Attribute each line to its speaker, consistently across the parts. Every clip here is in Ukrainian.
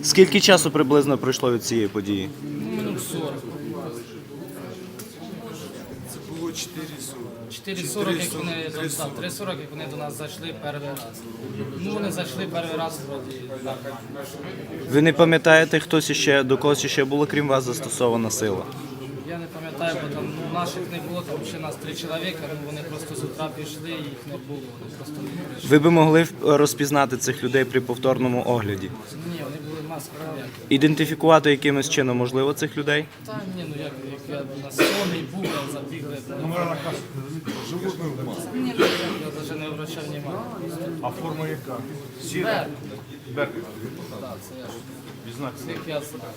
Speaker 1: Скільки часу приблизно пройшло від цієї події?
Speaker 2: Минут 40.
Speaker 3: Це було 4:40.
Speaker 2: 4:40, як вони, 3:40, як вони до нас зайшли перший раз. Ну, вони зайшли перший раз, вроді, нормально.
Speaker 1: Ви не пам'ятаєте, до когось ще було, крім вас, застосована сила?
Speaker 2: Я не пам'ятаю, бо там наших не було, там ще нас 3 чоловіка, ну вони просто з утра пішли, і їх не було, вони просто не прийшли.
Speaker 1: Ви би могли розпізнати цих людей при повторному огляді?
Speaker 2: Ні, вони були маски ніякі.
Speaker 1: Ідентифікувати якимось чином можливо цих людей?
Speaker 2: Та ні, ну як я на сонний був, забігли.
Speaker 3: Животне в масці.
Speaker 2: Ні, я навіть не обращав уваги.
Speaker 3: А форма яка?
Speaker 2: Беркут.
Speaker 3: Беркут.
Speaker 2: Так, це я ж.
Speaker 3: Відзнак.
Speaker 2: Всіх я знаю.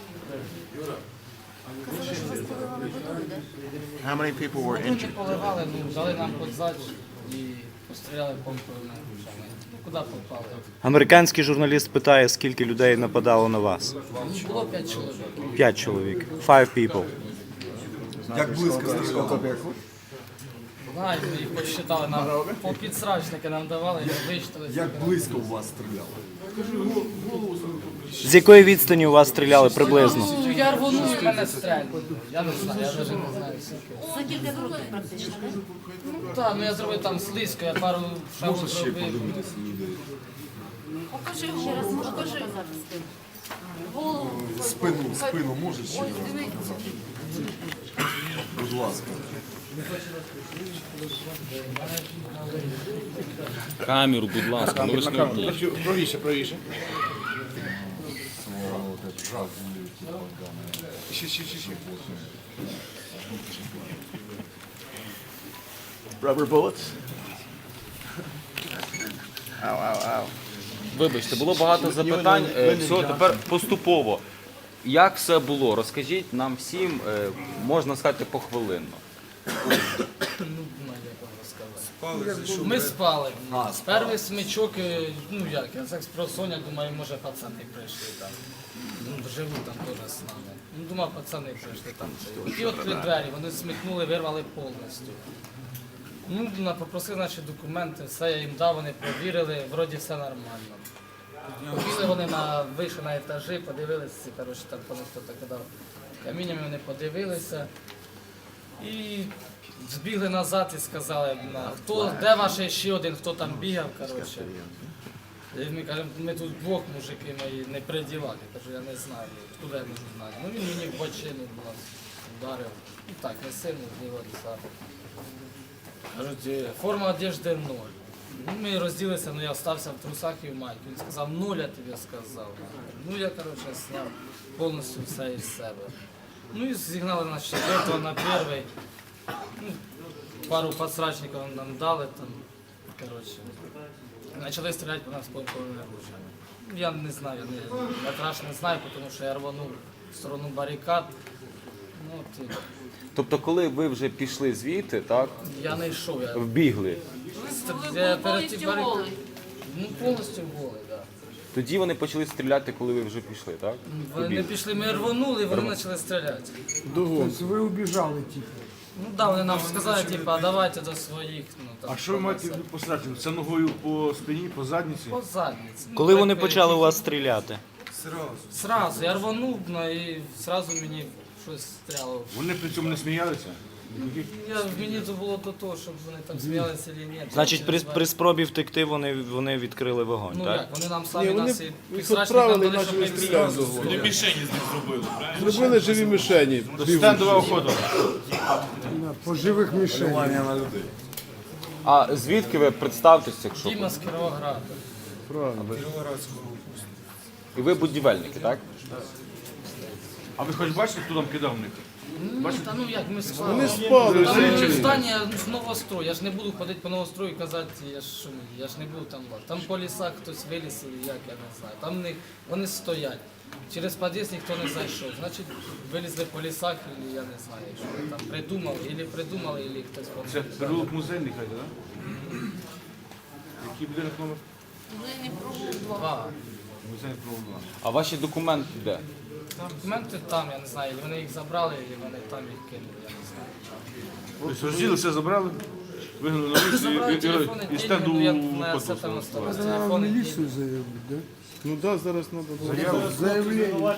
Speaker 4: How many people were
Speaker 2: Ну,
Speaker 4: injured?
Speaker 2: не поливали, ну, дали нам подзач і постріляли помповими грошами. Ну, куди попали?
Speaker 1: Американський журналіст питає, скільки людей нападало на вас.
Speaker 2: Ну, було 5 чоловік.
Speaker 1: 5 чоловік. 5 people.
Speaker 3: Як близько стріляли?
Speaker 2: Знаю, ми їх посчитали, нам по підсрачники нам давали, і вичитали.
Speaker 3: Як близько у вас стріляли?
Speaker 1: З якої відстані у вас стріляли приблизно?
Speaker 2: Ну, я рвонув і мене стрельнули. Я не знаю, я навіть не знаю скільки.
Speaker 5: За кілька кроків практично, так?
Speaker 2: Ну так, ну я зробив там слизько, я пару шагів зробив.
Speaker 5: Покажи ще раз, покажи зараз. Голову.
Speaker 3: Спину можеш ще?
Speaker 5: Ось дивіться.
Speaker 3: Будь ласка.
Speaker 6: Камеру, будь ласка, ну ви ж не вмієте.
Speaker 3: Правіше. Ще.
Speaker 4: Rubber bullets? Ow, ow, ow.
Speaker 6: Вибачте, було багато запитань. Все, тепер поступово. Як все було? Розкажіть нам всім, можна сказати, похвилинно.
Speaker 2: Ми спали. Перший смичок, ну як, я так спросоння, думаю, може пацани прийшли там. Ну, живуть там теж з нами. Ну, думав, пацани прийшли там. Ті відкрили двері, вони смикнули, вирвали повністю. Ну, попросили наші документи, все я їм дав, вони перевірили, вроді все нормально. Побігли вони вийшли на етажі, подивилися, коротше, там по них хто-то кидав каміннями, вони подивилися. І збігли назад і сказали, де ваш ще один, хто там бігав, коротше. І ми кажемо, ми тут двох мужики мої не при ділах. Я кажу, я не знаю, куди я можу знати. Ну він мені в бочину нас ударив. Ну так, не сильно з нього десяток. Кажуть, форма одежди 0. Ну, ми розділилися, але я залишився в трусах і в майці. Він сказав, 0 я тобі сказав. Ну я, коротше, зняв повністю все із себе. Ну і зігнали нас з 4-го на 1-й. Ну, пару подсрачників нам дали там, коротше. Почали стріляти по нас помповими оружиями. Я не знаю, я краще не знаю, тому що я рванув в сторону барикад. Ну, от,
Speaker 6: Тобто, коли ви вже пішли звідти, так,
Speaker 2: я не йшов, я
Speaker 6: вбігли,
Speaker 2: я
Speaker 5: Повністю голий.
Speaker 2: Ну, повністю голий, так.
Speaker 6: тоді вони почали стріляти, коли ви вже пішли, так?
Speaker 2: Вони не пішли, ми рвонули, вони почали стріляти.
Speaker 7: Ви убіжали, типу.
Speaker 2: Ну так, вони нам сказали, типу, давайте до своїх. Ну, там,
Speaker 3: А що ви маєте пострати? Це ногою по спині, по задниці?
Speaker 2: по задниці. Ну,
Speaker 1: Коли вони
Speaker 2: так,
Speaker 1: почали у вас стріляти?
Speaker 2: Сразу, я рванув, ну, і сразу мені щось стріляло.
Speaker 3: Вони при цьому не сміялися?
Speaker 2: Мені це було до того, щоб вони там сміялися чи ні.
Speaker 1: Значить, при спробі втекти вони відкрили вогонь,
Speaker 2: Ну
Speaker 1: так?
Speaker 2: як, вони нам самі нас і
Speaker 7: Їх
Speaker 2: підсрачникам
Speaker 7: відправили,
Speaker 2: дали, щоб
Speaker 7: почали
Speaker 2: ми
Speaker 7: стріляти з
Speaker 2: відразу.
Speaker 7: вогонь. Зробили живі мішені.
Speaker 3: Стендова охота.
Speaker 7: По живих мішенях.
Speaker 3: на людей.
Speaker 6: А звідки ви представтеся, якщо?
Speaker 2: Діма з Кіровограда.
Speaker 6: І ви будівельники, так?
Speaker 3: А ви хоч бачите, хто там кидав в них?
Speaker 2: Та ну як, ми спали.
Speaker 7: Вони спали.
Speaker 2: Там чи здання з новострою, я ж не буду ходити по новострою і казати, я ж не буду там лазити. Там по лісах хтось виліз, як, я не знаю. Там вони стоять. Через під'їзд ніхто не зайшов. Значить, вилізли по лісах, і я не знаю, що вони там придумали, або хтось
Speaker 3: Це
Speaker 2: помогли.
Speaker 3: переулок музейний, хай, так? Який будинок номер?
Speaker 5: Вони не пробували.
Speaker 2: Два.
Speaker 3: Музейний провулок 2.
Speaker 6: А ваші документи де?
Speaker 2: Документи там, я не знаю, вони їх забрали, і вони там їх кинули, я не знаю.
Speaker 3: Тобто розділи, все забрали, вигнали на
Speaker 2: Забрали
Speaker 3: вулицю
Speaker 2: телефони,
Speaker 3: і стенду
Speaker 2: я на все там
Speaker 3: потім.
Speaker 2: оставив.
Speaker 7: Треба
Speaker 2: Телефони,
Speaker 7: міліцію заявити, да? Ну да, зараз треба заявлення.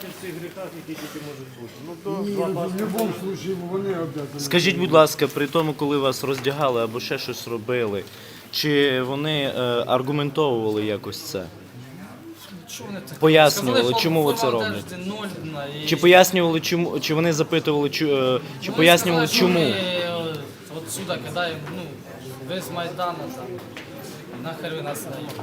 Speaker 7: Ну, в будь-якому випадку вони обов'язані.
Speaker 1: Скажіть, будь ласка, при тому, коли вас роздягали або ще щось робили, чи вони аргументовували якось це?
Speaker 2: Що вони таке?
Speaker 1: Пояснювали,
Speaker 2: Сказали,
Speaker 1: чому ви це
Speaker 2: форма
Speaker 1: робите?
Speaker 2: одежди нольна, і-
Speaker 1: Чи пояснювали, чому, чи вони запитували, чи
Speaker 2: Вони
Speaker 1: пояснювали,
Speaker 2: сказали,
Speaker 1: чому?
Speaker 2: що ми отсюда кидаємо, ну, ви з Майдану там. Нахер ви нас даєте?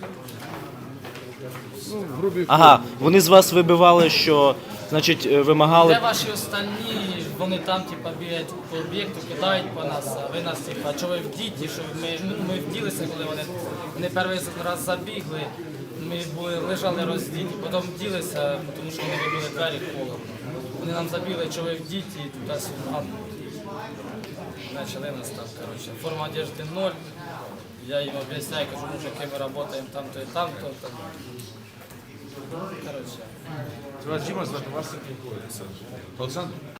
Speaker 7: Ну, в грубій
Speaker 1: Ага, вони з вас вибивали, що, значить, вимагали.
Speaker 2: Де ваші остальні, вони там типа бігають по об'єкту, кидають по нас, а ви нас типа, що ви в діті, що ми вділися, коли вони перший раз забігли, ми лежали роздіті, потім вділися, тому що вони вибили двері холодно. Вони нам забігли, що ви в діті, туди-сюди. Почали нас там, коротше. Форма одежди 0. Я їм об'ясняю, кажу, мужики, ми працюємо там-то і там-то. Коротше.
Speaker 3: Вас Діма звати, вас Олександр?